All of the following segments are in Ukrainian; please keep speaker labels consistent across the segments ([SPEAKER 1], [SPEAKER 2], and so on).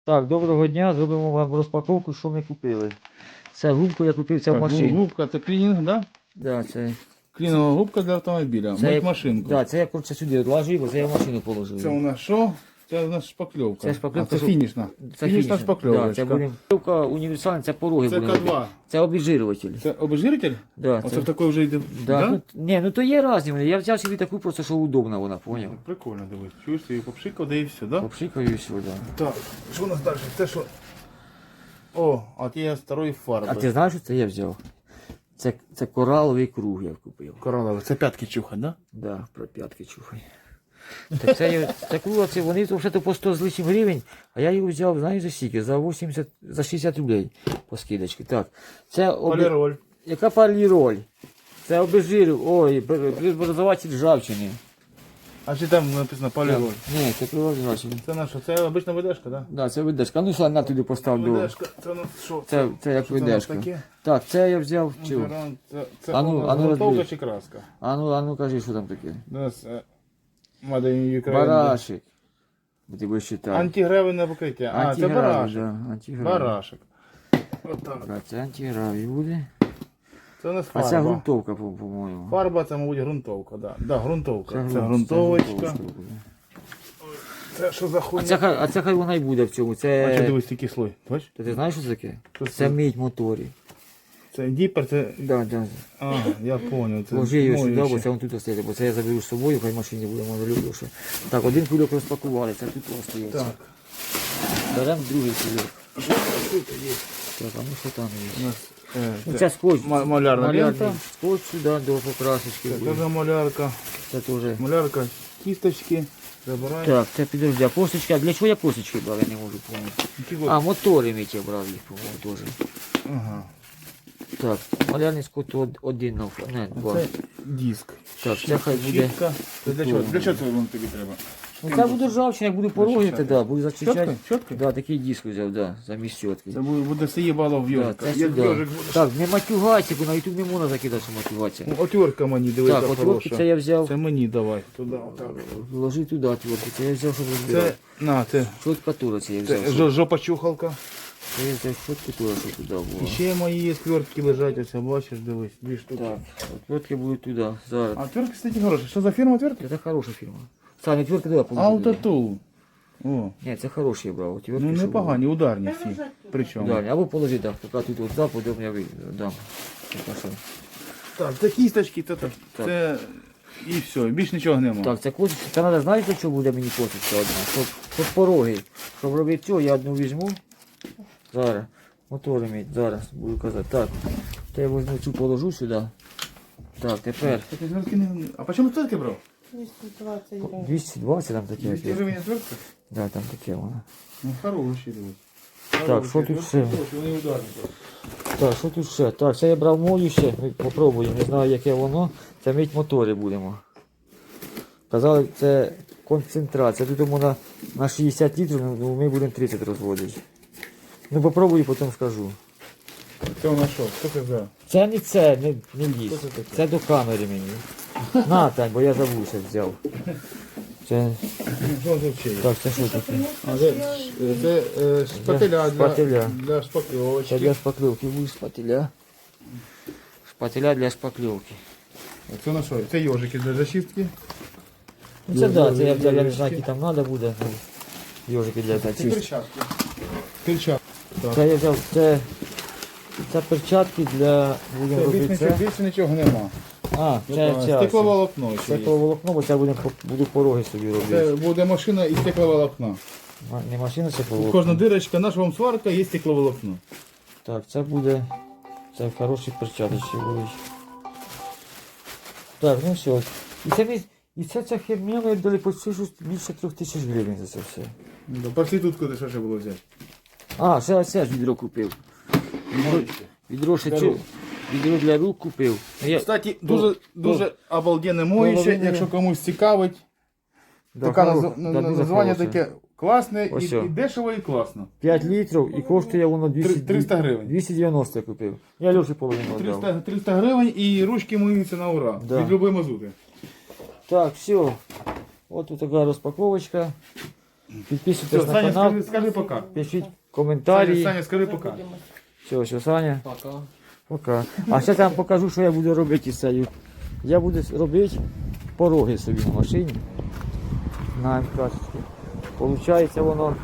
[SPEAKER 1] Так, доброго дня, зробимо вам розпаковку, що ми купили. Це губку я купив, це в машині.
[SPEAKER 2] Губка, це клінінг, да?
[SPEAKER 1] Да, це
[SPEAKER 2] Клінова губка для автомобіля.
[SPEAKER 1] Це
[SPEAKER 2] Мить машинку.
[SPEAKER 1] Да, це я коротше сюди відложив, бо це я в машину положив.
[SPEAKER 2] Це у нас що? Це у нас шпакльовка.
[SPEAKER 1] Це шпакльовка,
[SPEAKER 2] А це фінішна.
[SPEAKER 1] Це
[SPEAKER 2] Фінішна
[SPEAKER 1] Да,
[SPEAKER 2] шпакльовочка.
[SPEAKER 1] це буде шпакльовка універсальна, це пороги
[SPEAKER 2] Це
[SPEAKER 1] будемо
[SPEAKER 2] К2.
[SPEAKER 1] робити. Це обезжирюватель.
[SPEAKER 2] Це обезжиритель?
[SPEAKER 1] Да,
[SPEAKER 2] Оце
[SPEAKER 1] це...
[SPEAKER 2] в такої вже йде.
[SPEAKER 1] Да, ну, ні, ну то є різні вони. Я взяв собі таку просто, що удобна вона, поняв?
[SPEAKER 2] Прикольно, дивись. Чуєш, ти її попшикав, да і все, да?
[SPEAKER 1] Попшикаю і все, да.
[SPEAKER 2] Так, що у нас далі? Це що? О, а от є старої фарби.
[SPEAKER 1] А ти знаєш, що це я взяв? Це кораловий круг я купив.
[SPEAKER 2] Коралове, це п'ятки чухать, да?
[SPEAKER 1] Да, про п'ятки чухай. Так це круга, це вони вже то по 100 з лишнім гривень, а я його взяв, знаєш, за скільки? За 80, за 60 рублей по скидочці. Так, це
[SPEAKER 2] Поліроль.
[SPEAKER 1] Яка поліроль? Це обезжирив, ой, преобразователь ржавчини.
[SPEAKER 2] А чи там написано поліроль?
[SPEAKER 1] Ні, це преобразователь.
[SPEAKER 2] Це наша, це обична видержка, да?
[SPEAKER 1] Да, це видержка. Ну, що на туди постав до.
[SPEAKER 2] Видержка, це у нас що?
[SPEAKER 1] Це як
[SPEAKER 2] Що це у нас
[SPEAKER 1] видержка.
[SPEAKER 2] таке?
[SPEAKER 1] Так, це я взяв цю.
[SPEAKER 2] Це
[SPEAKER 1] Ану
[SPEAKER 2] грунтовка
[SPEAKER 1] розбери.
[SPEAKER 2] чи краска?
[SPEAKER 1] Ану, кажи, що там таке.
[SPEAKER 2] У нас Made in Ukraine.
[SPEAKER 1] Барашек. Ти будеш читати.
[SPEAKER 2] Антигравійне покриття. А, це барашек.
[SPEAKER 1] Да, антигравій.
[SPEAKER 2] Барашек. Отак.
[SPEAKER 1] Так, це антигравій буде.
[SPEAKER 2] Це у нас
[SPEAKER 1] А
[SPEAKER 2] фарба.
[SPEAKER 1] це грунтовка, по-моєму.
[SPEAKER 2] Фарба це, мабуть, грунтовка, да. Да, грунтовка. Це грунтовочка. Це що за хуйня?
[SPEAKER 1] А це хай вона й буде в цьому.
[SPEAKER 2] А що
[SPEAKER 1] Це...
[SPEAKER 2] дивись, такий слой? Бачиш?
[SPEAKER 1] Ти знаєш, що це таке?
[SPEAKER 2] Що
[SPEAKER 1] Це
[SPEAKER 2] це?
[SPEAKER 1] мідь моторів.
[SPEAKER 2] Це діпер, це...
[SPEAKER 1] Да, да.
[SPEAKER 2] А, я зрозумів. Це
[SPEAKER 1] Ложи його сюди, бо
[SPEAKER 2] моющий.
[SPEAKER 1] це він тут стоїть, бо це я заберу з собою, хай в машині буде, може люблю. Що. Так, один кульок розпакували, це тут він стоїть.
[SPEAKER 2] Так.
[SPEAKER 1] Беремо другий кульок. Так, а ну що там
[SPEAKER 2] У
[SPEAKER 1] є?
[SPEAKER 2] нас,
[SPEAKER 1] Ну, це скотч.
[SPEAKER 2] малярна лента.
[SPEAKER 1] Скотч сюди до покрасочки
[SPEAKER 2] Це
[SPEAKER 1] буде.
[SPEAKER 2] теж малярка.
[SPEAKER 1] Це теж.
[SPEAKER 2] Малярка, кісточки. Забираємо.
[SPEAKER 1] Так, це підожди, а косточки, а для чого я косточки брав, я не можу пам'ятати. А, мотори мить я брав їх, по-моєму, теж.
[SPEAKER 2] Ага.
[SPEAKER 1] Так, малярний скот один, не, два.
[SPEAKER 2] Це диск.
[SPEAKER 1] Так, це хай буде.
[SPEAKER 2] Щітка. Це для чого? Для чого це воно тобі треба?
[SPEAKER 1] Ну, це буде ржавчина, як буду пороги, то да, буду зачищати.
[SPEAKER 2] Щоткою? Щоткою?
[SPEAKER 1] Да, такий диск взяв, да, замість щотки.
[SPEAKER 2] Це буде все їбало в
[SPEAKER 1] Да,
[SPEAKER 2] йожика.
[SPEAKER 1] це
[SPEAKER 2] Як
[SPEAKER 1] сюди.
[SPEAKER 2] йожик буде.
[SPEAKER 1] Так, не матюгайся, бо на YouTube не можна закидати, що матюгатися.
[SPEAKER 2] Ну, отвертка мені, дивися,
[SPEAKER 1] Так, отвертки
[SPEAKER 2] хороша.
[SPEAKER 1] це я взяв.
[SPEAKER 2] Це мені давай. Туди, отак.
[SPEAKER 1] Вложи туди отвертки, це я взяв, щоб
[SPEAKER 2] Це,
[SPEAKER 1] розбирати.
[SPEAKER 2] на, це,
[SPEAKER 1] Щотка тура це я
[SPEAKER 2] це
[SPEAKER 1] взяв. щоб-
[SPEAKER 2] жопа чухалка.
[SPEAKER 1] Це я взяв щотку тура, щоб туди
[SPEAKER 2] І
[SPEAKER 1] було.
[SPEAKER 2] ще мої є свертки лежать, ось бачиш, дивись, дві штуки.
[SPEAKER 1] Так, отвертки будуть туди, зараз.
[SPEAKER 2] А отвертки, кстати, хороші. Що за фірма отвертки?
[SPEAKER 1] Це хороша фірма. Саня, отвертки туди положи.
[SPEAKER 2] Автотул. О,
[SPEAKER 1] Ні, це хороші я брав. Отвертки,
[SPEAKER 2] ну
[SPEAKER 1] щоб
[SPEAKER 2] непогані, ударні всі. Причому.
[SPEAKER 1] було. Далі, або положи, так, поки тут от западом я дам. Так, що?
[SPEAKER 2] Так, це кісточки, це,
[SPEAKER 1] Так.
[SPEAKER 2] це і все, більш нічого нема.
[SPEAKER 1] Так, це косточка. Це треба, знаєш, для чого буде мені косточка одна? Щоб пороги. Щоб робити цього, я одну візьму. Зараз. Мотори мій, зараз буду казати. Так. То я візьму цю положу сюди. Так, тепер.
[SPEAKER 2] Такі звертки не... А по чому отвертки брав?
[SPEAKER 3] 220 гривень.
[SPEAKER 1] 220 там таке.
[SPEAKER 2] 200 гривень отвертка?
[SPEAKER 1] Да, там таке воно.
[SPEAKER 2] Ну, хороші, дивись.
[SPEAKER 1] Так, що тут ще?
[SPEAKER 2] Вони ударні.
[SPEAKER 1] Так, що тут ще? Так, це я брав мою ще. Попробую, не знаю яке воно. Це мить мотори будемо. Казали, це концентрація. Тут можна на 60 літрів, ну ми будемо 30 розводити. Ну попробую, потім скажу.
[SPEAKER 2] Це у нас що? Що це за?
[SPEAKER 1] Це не це, не ліс.
[SPEAKER 2] Що це таке?
[SPEAKER 1] Це до камери мені. На, Тань, бо я забувся взяв. Це,
[SPEAKER 2] Що це ще є?
[SPEAKER 1] так, це що таке?
[SPEAKER 2] А, це шпателя
[SPEAKER 1] Шпателя.
[SPEAKER 2] для
[SPEAKER 1] Це
[SPEAKER 2] шпакльовочки.
[SPEAKER 1] для шпакльовки, буде шпателя. Шпателя для шпакльовки.
[SPEAKER 2] Це на що? Це йожики для зачистки.
[SPEAKER 1] Ну це да, це я взяв, я не знаю, які там треба буде. Ну, йожики для
[SPEAKER 2] Це
[SPEAKER 1] зачистки.
[SPEAKER 2] перчатки. Перчатки. Так.
[SPEAKER 1] Це я взяв, це перчатки для, будемо
[SPEAKER 2] Це
[SPEAKER 1] робити це.
[SPEAKER 2] більше нічого нема.
[SPEAKER 1] А, це
[SPEAKER 2] Стекловолокно ще є.
[SPEAKER 1] стекловолокно, бо це буду пороги собі робити.
[SPEAKER 2] Це буде машина із стекловолокна.
[SPEAKER 1] Не машина, це
[SPEAKER 2] Кожна
[SPEAKER 1] стекловолокно.
[SPEAKER 2] дирочка, наша вам сварка, є стекловолокно.
[SPEAKER 1] Так, це буде, це хороші перчаточки будуть. Так, ну все. І це ця херня, ми дали почти більше 3000 гривень за це все.
[SPEAKER 2] Проститутку де що ще було взяти?
[SPEAKER 1] А, ще оце ж відро купив. Відро ще
[SPEAKER 2] Для
[SPEAKER 1] чи...
[SPEAKER 2] рук.
[SPEAKER 1] Відро для рук купив.
[SPEAKER 2] Кстати, дуже обалденне моюще,
[SPEAKER 1] половина-
[SPEAKER 2] якщо комусь цікавить.
[SPEAKER 1] Да,
[SPEAKER 2] Таке
[SPEAKER 1] хоро- да, дуже
[SPEAKER 2] названня
[SPEAKER 1] хороше.
[SPEAKER 2] таке класне
[SPEAKER 1] Ось
[SPEAKER 2] і
[SPEAKER 1] що.
[SPEAKER 2] дешево, і класно.
[SPEAKER 1] 5 літрів і коштує воно
[SPEAKER 2] 300 гривень.
[SPEAKER 1] 290 я купив. Я Льоші половину віддав.
[SPEAKER 2] 300 гривень і ручки миються на ура.
[SPEAKER 1] Да.
[SPEAKER 2] Від любої мазути.
[SPEAKER 1] Так, все. От тут така розпаковочка. Підписуйтесь
[SPEAKER 2] Все,
[SPEAKER 1] на
[SPEAKER 2] Саня,
[SPEAKER 1] канал,
[SPEAKER 2] скажи пока.
[SPEAKER 1] пишіть коментарі.
[SPEAKER 2] Саня, скажи пока.
[SPEAKER 1] Все, Саня.
[SPEAKER 4] Пока.
[SPEAKER 1] Пока. А зараз я вам покажу, що я буду робити із цією. Я буду робити пороги собі в машині. На МК. Получається воно.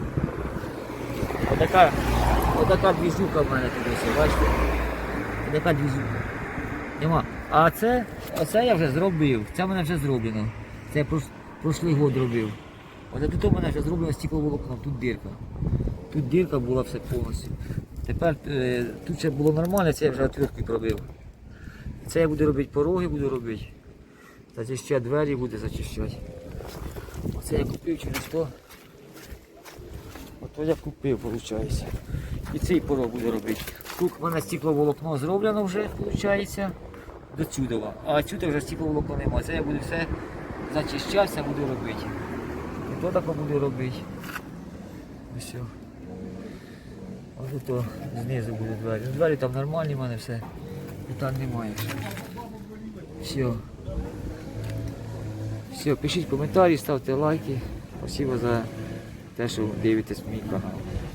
[SPEAKER 1] Отака двіжука в мене тут ось, бачите? Отака двіжука. Нема. А оце я вже зробив. Це в мене вже зроблено. Це я прошлий год робив. Оце тут у мене вже зроблено стекловолокно, тут дирка. Тут дирка була все повністю. Тепер тут ще було нормально, це я вже отвірткою пробив. Це я буду робити пороги, буду робити. Зачищати двері буде зачищати. Оце я купив через то. Ото я купив, виходить. І цей порог буду робити. Тут в мене стекловолокно зроблено вже, виходить, до чудова. А сюди вже стекловолокно немає. Це я буду все зачищати, все буду робити. І то таке буду робити. Ось. Ось то знизу буде двері. Двері там нормальні в мене все. Питань немає. Все. Все, пишіть коментарі, ставте лайки. Спасибо за те, що дивитесь мій канал.